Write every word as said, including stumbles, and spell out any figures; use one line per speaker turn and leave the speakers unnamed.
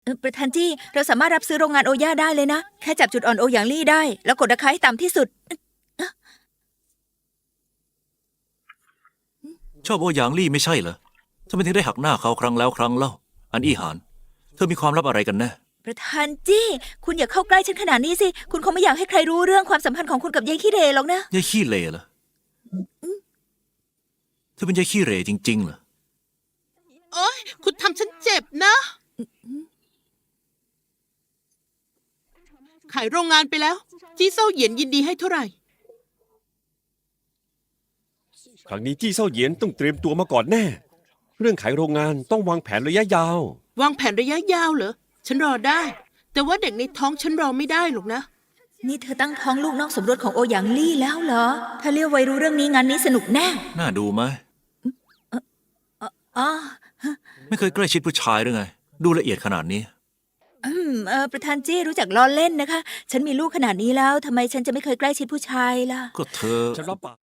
เอ่อประธานจี้เราสามารถรับซื้อโรงงานโอย่าได้เลยนะ แค่จับจุดอ่อนโอหยางลี่ได้ แล้วกดราคาให้ต่ำที่สุด
ชอบโอหยางลี่ไม่ใช่เหรอทำไมถึงได้หักหน้าเขาครั้งแล้วครั้งเล่า อันอี้หาน เธอมีความลับอะไรกันแน่
ประธานจี้คุณอย่าเข้าใกล้ฉันขนาดนี้สิ คุณคงไม่อยากให้ใครรู้เรื่องความสัมพันธ์ของคุณกับยายขี้เหร่หรอกนะ
ยายขี้เหร่เหรอเธอเป็นยายขี้เหร่จริงๆเหรอ
โอ๊ยคุณทำฉันเจ็บนะ ขายโรงงานไปแล้ว จี้เซาเหยียนยินดีให้เท่าไหร่
ครั้งนี้จี้เซาเหยียนต้องเตรียมตัวมาก่อนแน่ เรื่องขายโรงงานต้องวางแผนระยะยาว
วางแผนระยะยาวเหรอ ฉันรอได้ แต่ว่าเด็กในท้องฉันรอไม่ได้หรอกนะ
นี่เธอตั้งท้องลูกนอกสมรสของโอหยางลี่แล้วเหรอ ถ้าเลี้ยวไวรู้เรื่องนี้งานนี้สนุกแน่
น่าดูไหม
อ๋อ
ไม่เคยใกล้ชิดผู้ชายหรือไง ดูละเอียดขนาดนี้
อืมเออประธานจี้รู้จักล้อเล่นนะคะ ฉันมีลูกขนาดนี้แล้วทำไมฉันจะไม่เคยใกล้ชิดผู้ชายล่ะ
ก็เธอ
ฉันรับปาก